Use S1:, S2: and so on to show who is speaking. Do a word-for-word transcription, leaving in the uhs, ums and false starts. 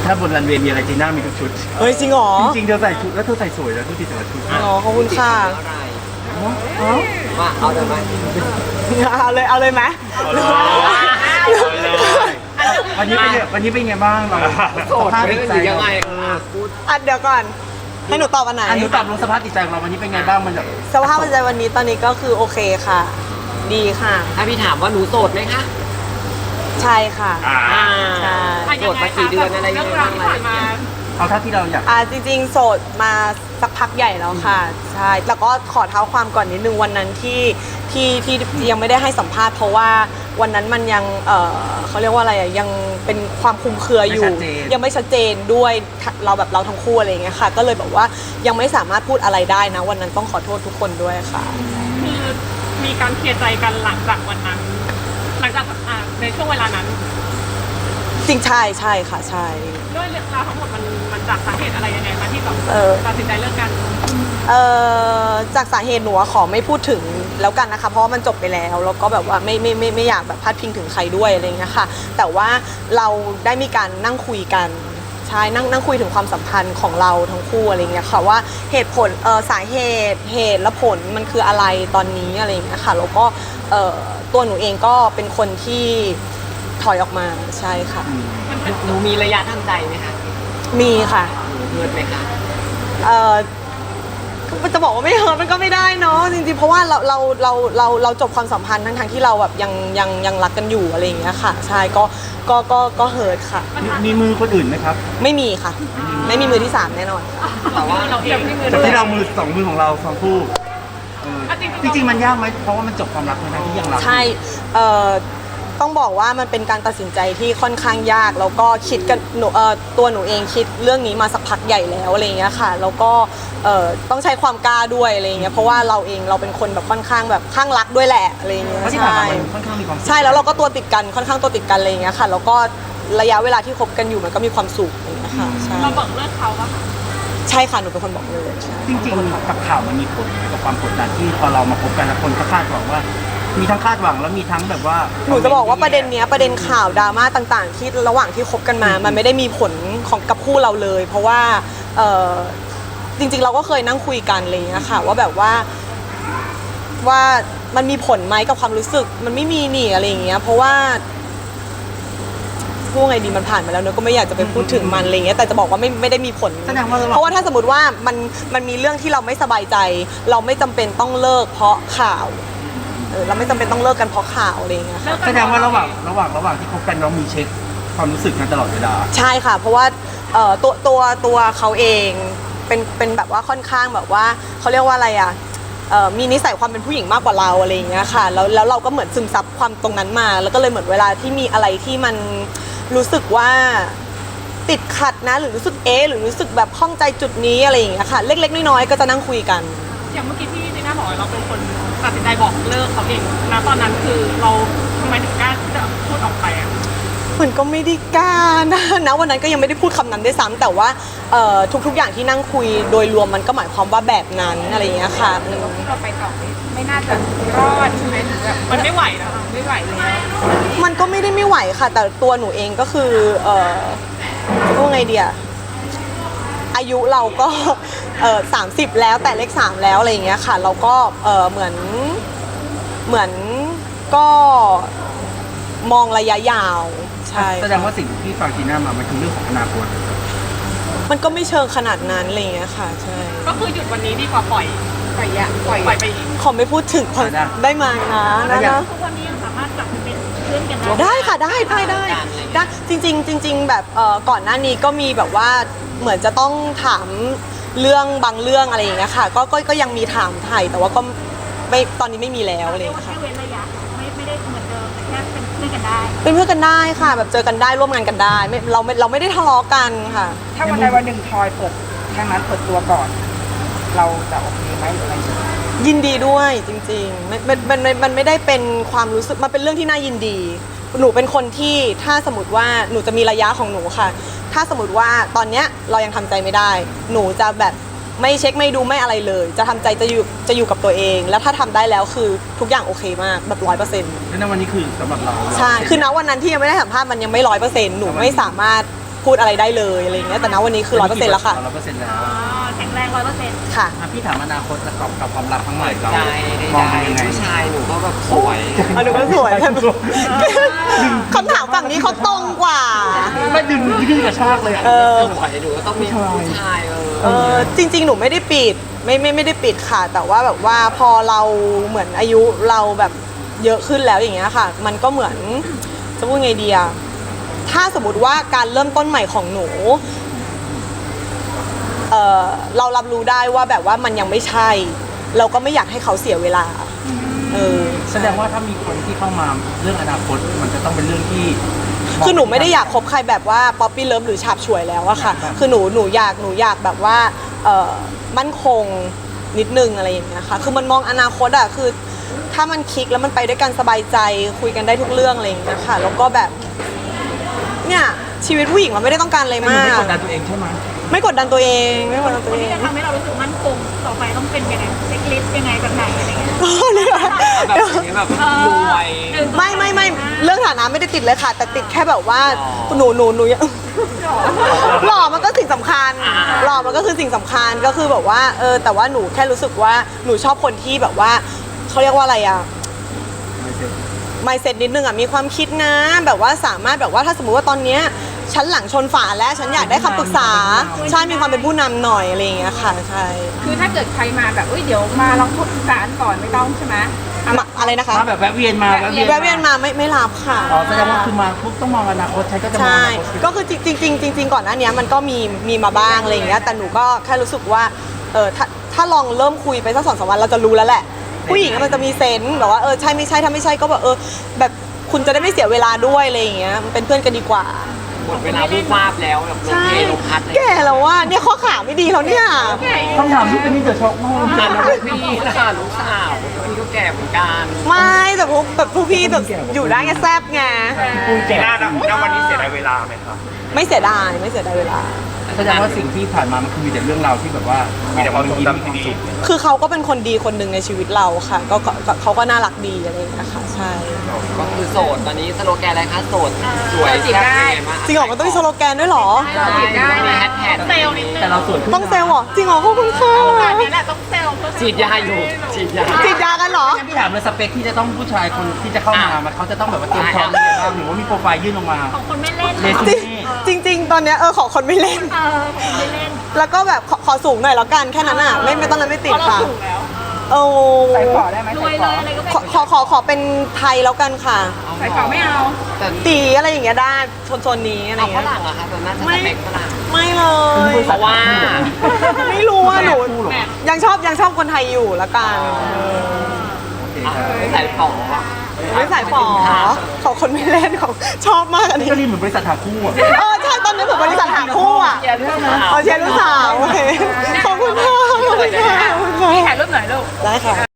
S1: ถ้าบนรันเวย์มีอะไรจีน่ามีทุกชุด
S2: เฮ้ยจริงเหรอ
S1: จริงๆเธอใส่ชุดแล้วเธอใส่สวยแล้วทุกทีแต่ละชุด
S2: อ๋อขอบคุณค่ะ
S3: มาเอาเลยไหม
S2: เอาเลยเอาเลยไหม
S1: วันนี้เป็นไงวันนี้เป็นไงบ้างเรา
S3: โสดหรือยังไงพูด
S2: อ่ะเดี๋ยวก่อนให้หนูตอบอันไหน
S1: อันนี้ตอบลงสภาพจิตใจของเราวันนี้เป็นไงบ้างมันแบบ
S2: สภาพจิตใจวันนี้ตอนนี้ก็คือโอเคค่ะ ดีค่ะ
S3: ถ้าพี่ถามว่าหนูโสดไหมคะ
S2: ใช่ค่ะ
S3: อ่า
S2: ใช่
S3: โสดมากี่เดือนอะไรยังไงบ้างอะไรอย่างเงี้ย
S1: เอาเท่าที่เราอยาก
S2: อ่าจริงๆ โสดมาสักพักใหญ่แล้วค่ะใช่แล้วก็ขอเท้าความก่อนนิดนึงวันนั้นที่ที่ที่ยังไม่ได้ให้สัมภาษณ์เพราะว่าวันนั้นมันยังเออเขาเรียกว่าอะไรอ่ะยังเป็นความคลุมเครืออยู่ ยังไม่ชัดเจนด้วยเราแบบเราทั้งคู่อะไรอย่างเงี้ยค่ะ ก็เลยแบบว่ายังไม่สามารถพูดอะไรได้นะวันนั้นต้องขอโทษทุกคนด้วยค่ะ
S4: คือมีการเคลียร์ใจกันหลังจากวันนั้น หลังจากอ่าในช่วงเวลานั้น
S2: จริงใช่ใช่ค่ะใช่
S4: ด้วยเรื่องราวทั้งหมดมันมันจากสาเหตุอะไรยังไงคะที่แบบ
S2: เออ
S4: ตัดสินใจเลิกกัน
S2: เอ่อจากสาเหตุหนูอะขอไม่พูดถึงแล้วกันนะคะเพราะว่ามันจบไปแล้วแล้วก็แบบว่าไม่ไม่ไม่ไม่อยากแบบพาดพิงถึงใครด้วยอะไรเงี้ยค่ะแต่ว่าเราได้มีการนั่งคุยกันใช่นั่งนั่งคุยถึงความสัมพันธ์ของเราทั้งคู่อะไรเงี้ยค่ะว่าเหตุผลเออสาเหตุเหตุและผลมันคืออะไรตอนนี้อะไรเงี้ยค่ะแล้วก็เอ่อตัวหนูเองก็เป็นคนที่ถอยออกมาใช่ค่ะ
S3: หนูมีระยะทางใจไหมคะ
S2: มีค่ะ
S3: หนูเฮิร์ตไหมคะ
S2: เอ่อมันจะบอกว่าไม่เฮิร์ตมันก็ไม่ได้เนาะจริงๆเพราะว่าเราเราเราเราเราจบความสัมพันธ์ทั้งทที่เราแบบยังยังยังรักกันอยู่อะไรอย่างเงี้ยค่ะใช่ก็ก็ก็ก็เฮิร์ตค่ะ
S1: มีมีมือคนอื่นไหมครับ
S2: ไม่มีค่ะ ไม่มีมือที่สามแน่นอน
S3: แต่ว่า
S4: เราเองที่มือ
S1: จากที่เรามือสองมือของเราสองคู่เออ
S4: อ่ะ
S1: จริงๆมันยากไหมเพราะว่ามันจบความรักในทางที่ยังรัก
S2: ใช่เอ่อต้องบอกว่ามันเป็นการตัดสินใจที่ค่อนข้างยากแล้วก็คิดกันหนูเอ่อตัวหนูเองคิดเรื่องนี้มาสักพักใหญ่แล้วอะไรอย่างเงี้ยค่ะแล้วก็เอ่อต้องใช้ความกล้าด้วยอะไรอย่างเงี้ยเพราะว่าเราเองเราเป็นคนแบบค่อนข้างแบบข้างรักด้วยแหละอะไรอย่างเงี้ย
S1: เพราะที่ผ่าน
S2: ใช่
S1: มามันค่อนข้างมีความสุข
S2: ใช่แล้วเราก็ตัวติดกันค่อนข้างตัวติดกันอะไรอย่างเงี้ยค่ะแล้วก็ระยะเวลาที่คบกันอยู่มันก็มีความสุขอย่างเงี้ยค่ะใช่
S4: เราบอกเลิกเขาอะค่ะ
S2: ใช่ค่ะหนูเป็นคนบอกเลยใช่
S1: จริงๆกับข่าวมันมีผลกับความกดดันที่พอเรามาพบกันแล้วคนก็คาดหวังว่า มีทั้งคาดหวังแล้วมีทั้งแบบว่า
S2: หนูจะบอกว่าประเด็นเนี้ยประเด็นข่าวดราม่าต่างๆ ที่ระหว่างที่คบกันมา มันไม่ได้มีผลของกับคู่เราเลย เพราะว่าเอ่อจริงๆเราก็เคยนั่งคุยกันอะไรอย่างเลยนะคะว่าแบบว่าว่ามันมีผลไหมกับความรู้สึก มันไม่มีนี่อะไรอย่างเงี้ยเพราะว่าพูดไงดีมันผ่านมาแล้วเนอะก็ไม่อยากจะไปพูดถึงมันอะไรเงี้ยแต่จะบอกว่าไม่ไม่ได้มีผล
S1: แสดงว่า
S2: เพราะว่าถ้าสมมติว่ามันมันมีเรื่องที่เราไม่สบายใจ เราไม่จำเป็นต้องเลิกเพราะข่าวเออเราไม่จำเป็นต้องเลิกกันเพราะข่าวอะไรอย่างเงี้ยค่ะ
S1: แสดงว่าระหว่างระหว่างระหว่างที่คบกันเรามีเช็คความรู้สึกกันตลอดเวลา
S2: ใช่ค่ะ เพราะว่าเอ่อตัวตัวตัวเขาเองเป็นเป็นแบบว่าค่อนข้างแบบว่าเขาเรียกว่าอะไรอ่ะเอ่อมีนิสัยความเป็นผู้หญิงมากกว่าเราอะไรอย่างเงี้ยค่ะแล้วแล้วเราก็เหมือนซึมซับความตรงนั้นมา แล้วก็เลยเหมือนเวลาที่มีอะไรที่มันรู้สึกว่าติดขัดนะหรือรู้สึกเอ๊ะหรือรู้สึกแบบข้องใจจุดนี้อะไรอย่างเงี้ยค่ะเล็กๆน้อยๆก็จะนั่งคุยกัน
S4: อย่างเมื่อกี้ที่จีน่าบอกว่าเราเป็นคนตัดสินใจบอกเลิกเขาเองนะตอนนั้นคือเราทำไมถึงกล้าที่จะพูดออกไปอะ
S2: มันก็ไม่ได้กล้านะนะวันนั้นก็ยังไม่ได้พูดคำนั้นด้วยซ้ำแต่ว่าเอ่อทุกๆอย่างที่นั่งคุยโดยรวมมันก็หมายความว่าแบบนั้นอะไรอย่างเงี้ยค่ะอืม
S4: เราไปต่อไม่ไม่น่าจะรอดใช่ไหมหรือแบบมันไม่ไหวแล้วอะไม่ไหวแล้ว
S2: มันก็ไม่ได้ไม่ไหวค่ะ แต่ตัวหนูเองก็คือเอ่อพูดไงเดียอายุเราก็เอ่อสามสิบแล้วแต่เลขสามแล้วอะไรอย่างเงี้ยค่ะ เราก็เอ่อเหมือนเหมือนก็มองระยะยาวใช่
S1: แสดงว่าสิ่งที่ฟังจีน่ามามันคือเรื่องของอนาคต
S2: มันก็ไม่เชิงขนาดนั้นอะไรอย่างเงี้ยค่ะใช่
S4: ก็คือหยุดวันนี้ดีกว่าปล่อยปล่อยอะปล่อยปล่อยไปอีก
S2: ขอไม่พูดถึงพอ
S1: ได้
S2: ได้ไหมนะนะนะ
S4: ทุกวันนี้ยังสามารถกลับมาเป็นเพื่อนกันได้
S2: ได้ค่ะได้ได้ได้ได้จริงๆจริง ๆ แบบเอ่อก่อนหน้านี้ก็มีแบบว่าเหมือนจะต้องถามเรื่องบางเรื่องอะไรอย่างเงี้ยค่ะก็ก็ก็ยังมีถามไถ่แต่ว่าก็ไม่ตอนนี้ไม่มีแล้วอะไรอย่างเงี้ยค่ะ
S4: แค่เว้นระยะไม่ไม่ได้เหมือนเดิมแต่แค่เป็นเพื่อนกันได้
S2: เป็นเพื่อนกันได้ค่ะ แบบเจอกันได้ร่วมงานกันได้ไม่เราไม่เราไม่ได้ทะเลาะกันค่ะ
S5: ถ้าวันใดวันหนึ่งทอยเปิดทางนั้นเปิดตัวก่อน เราจะโอเคไหมหรืออะไรอย่างเงี้ย
S2: ยินดีด้วยจริงๆมันมันมันมันมันไม่ได้เป็นความรู้สึกมันเป็นเรื่องที่น่ายินดี หนูเป็นคนที่ถ้าสมมติว่าหนูจะมีระยะของหนูค่ะ ถ้าสมมติว่าตอนเนี้ยเรายังทำใจไม่ได้ หนูจะแบบไม่เช็คไม่ดูไม่อะไรเลย จะทำใจจะอยู่จะอยู่กับตัวเอง แล้วถ้าทำได้แล้วคือทุกอย่างโอเคมากแบบร้อยเปอร์เซ็นต์
S1: และในวันนี้คือสำหรับเรา
S2: ใช่คือณวันนั้นที่ยังไม่ได้สัมภาษณ์มันยังไม่ร้อยเปอร์เซ็นต์หนูไม่สามารถพูดอะไรได้เลยอะไรอย่างเงี้ยแต่ณวันนี้คือร้อยเปอร์เซ็นต์แล้วค่ะ
S1: ร้อยเปอร์เซ็นต์แล้ว
S4: อ่าแข็งแรงร้อยเปอร์เซ็นต์
S2: ค่ะ
S1: อ่ะพี่ถามอนาคตแล้วกับกับความรักครั้งใหม่เรา
S3: ใจ
S1: มอง
S3: ใด
S1: เป็นยังไง
S3: ๆผู้ชายหนูก็แบบสวย
S2: อันนี้ก็สวยคำถามฝั่งนี้เขาตรงกว่า
S1: ไม่ดึงดึงกระชากเลยอ่ะ
S2: เออ
S3: สวยหนูก็ต้องมีผู้ชายเออ
S2: เออจริง ๆ หนูไม่ได้ปิดไม่ไม่ไม่ได้ปิดค่ะ แต่ว่าแบบว่าพอเราเหมือนอายุเราแบบเยอะขึ้นแล้วอย่างเงี้ยค่ะ มันก็เหมือนจะพูดไงดีอะถ้าสมมติว่าการเริ่มต้นใหม่ของหนูเออเรารับรู้ได้ว่าแบบว่ามันยังไม่ใช่ เราก็ไม่อยากให้เขาเสียเวลาเออ
S1: แสดงว่าถ้ามีคนที่เข้ามาเรื่องอนาคตมันจะต้องเป็นเรื่องที่
S2: คือหนูไม่ได้อยากคบใครแบบว่าป๊อปปี้เลิฟหรือฉาบฉวยแล้วอะค่ะ
S1: ครับ
S2: คือหนูหนูอยากหนูอยากแบบว่าเออมั่นคงนิดนึงอะไรอย่างเงี้ยค่ะ คือมันมองอนาคตอะคือถ้ามันคลิกแล้วมันไปด้วยกันสบายใจคุยกันได้ทุกเรื่องอะไรอย่างเงี้ยค่ะ แล้วก็แบบเนี่ยชีวิตผู้หญิงมันไม่ได้ต้องการอะไร
S1: แต่หนู
S2: มา
S1: ไม่
S2: ก
S1: กดดันตัวเองใช่ไหม
S2: ไม่กดดันตัวเองไม่กดดันตัว
S4: คน
S2: เอ
S4: ที่
S2: ง
S4: จะทำให้เรารู้สึกมั่นคงต่อไปต้องเป็นยังไงเช็คลิสต์ยังไงแบบไหนอะไรเงี้ย
S2: ก็เนี่ย
S3: แบบอย่างนี้แบบรวย
S2: ไม่ไม่ไม่เรื่องฐานะไม่ได้ติดเลยค่ะ แต่ติดแค่แบบว่าหนูหนูหนูหล่อมันก็สิ่งสำคัญหล่อมันก็คือสิ่งสำคัญก็คือแบบว่าเออแต่ว่าหนูแค่รู้สึกว่าหนูชอบคนที่แบบว่าเขาเรียกว่าอะไรอะไมเซ็ตนิดนึงอะมีความคิดนะแบบว่าสามารถแบบว่าถ้าสมมุติว่าตอนเนี้ยฉันหลังชนฝาแล้วฉันอยากได้คำปรึกษาใช่มีความเป็นผู้นำหน่อยอะไรอย่างเงี้ยค่ะใช่
S5: คือถ้าเกิดใครมาแบบเอ้ยเดี๋ยวมาลองทดสารก่อนไม่ต้องใช่ไหม
S2: มาอะไรนะคะ
S1: มาแบบแวะเวียนมา
S2: แวะเวียนมาไม่ไม่รับค่ะ
S1: อ๋อแสดงว่าคือมาปุ๊บต้องมองอนาคตใช้ก็จะมอง
S2: ใช่
S1: อนาคต
S2: ก็คือจริงจริงๆจริงๆก่อนหน้านี้มันก็มีมีมาบ้างอะไรอย่างเงี้ยแต่หนูก็แค่รู้สึกว่าเออถ้าถ้าลองเริ่มคุยไปสักสองสามวันเราจะรู้แล้วแหละ ผู้หญิงมันจะมีเซนส์แบบว่าเออใช่ไม่ใช่ถ้าไม่ใช่ก็แบบเออแบบคุณจะได้ไม่เสียเวลาด้วยอะไรอย่างเงี้ยมันเป็นเพื่อนกันดีกว่า
S3: หมดเวลาพูดวาบแล้วแบบลง
S2: ใช่
S3: เทลงพัดเลย
S2: แก่แล้วว่าเนี่ยข้อขาไม่ดีแล้วเนี่ย
S1: ต้องถามที่เป็นนี่จะช็อกมาก
S3: อ่ะแล้วพี่นะคะลูกสาวพี่ก็แก่เหมือนกัน
S2: ไม่แต่พวกแบบผู้พี่แบบอยู่ได้ไงแซบไง
S1: ปูแก่
S6: หน้าณวันนี้เสียดายเวลาไหมครับ
S2: ไม่เสียดายไม่เสียดายเวลา
S1: แสดงว่าสิ่งที่ผ่านมามันคือมีแต่เรื่องราวที่แบบว่า
S6: มีแต่ความทรงจำที่ดี
S1: สุข
S2: คือเขาก็เป็นคนดีคนหนึ่งในชีวิตเราค่ะก็ก็ก็เขาก็น่ารักดีอะไรอย่างเงี้ยค่ะใช่
S3: ก็คือโสดตอนนี้สโลแกนอะไรคะโสดสวยแซ่บยังไงบ้าง
S2: จริงเหรอมันต้องมีสโลแกนด้วยเหรอ
S3: จีบได้มีแฮชแท็ก
S4: เซลล์นิดนึง
S1: แต่เราสวยขึ้น
S2: ต้องเซลล์เหรอจริงเหรอขอบคุณค่ะ
S4: โอกาสนี้แหละต้องเซลล์เพื่อ
S3: ฉีดยาอยู่ฉีดยา
S2: ฉีดยากันเหรอ
S1: งั้นพี่ถามเลยสเปคที่จะต้องผู้ชายคนที่จะเข้ามามันเขาจะต้องแบบว่าเตรียมพร้อมยังไงบ้างหรือว่ามีโปรไฟล์ยื่นออกมา
S4: ของคนไม่เล่น
S1: เรซู
S2: จริงจริง ๆ ตอนเนี้ยเออขอคนไม่เล่น
S4: เออของคนไม่เล่น
S2: แล้วก็แบบขอขอสูงหน่อยแล้วกันแค่นั้นอ่ะไม่ไม่ต้องนั้นไม่ติด
S4: เพราะเรา
S2: ค่ะ
S4: ถูกแล้ว
S2: โอ้
S5: ใส่ฝอได้ไหม
S4: ร
S5: ใส่
S4: วย
S5: ฝ
S4: เล
S5: อย
S4: อะไรก็ไม่
S2: ขอขอขอขอเป็นไทยแล้วกันค่ะ
S5: ใส่ฝอไม่เอา
S3: แต่
S2: ตีอะไรอย่างเงี้ยได้โซนๆนี้อะไรอ
S3: เอา
S2: ย่าง
S3: ฝ
S2: เงี้ย
S3: รั่งอะคะแต่น่าจะสเปคฝรั่ง
S2: ไม่เลย
S3: เพราะว่า
S2: ไม่รู้ว่าหนูยังชอบยังชอบคนไทยอยู่ละกัน
S3: อ่ะใส่ป๋องอะ
S2: ไม่ใส่ฝอขอคนไม่เล่นของชอบมากอัน
S1: นี่
S2: นี้
S1: ก็รีบเหมือนบริษัทหาคู่อ่ะ
S2: เออใช่ตอนนี้เหมือนบริษัทหาคู่อ่ะ
S3: เชียร์ลูกสาว
S2: เอาเชียร์ลูกสาวโอเคขอบคุณค่ะขอบคุณค่ะขอบคุณ
S5: นี่
S2: ค่ะ
S5: ถ่ายรูปหน่อยลูก
S2: ได้ค่ะ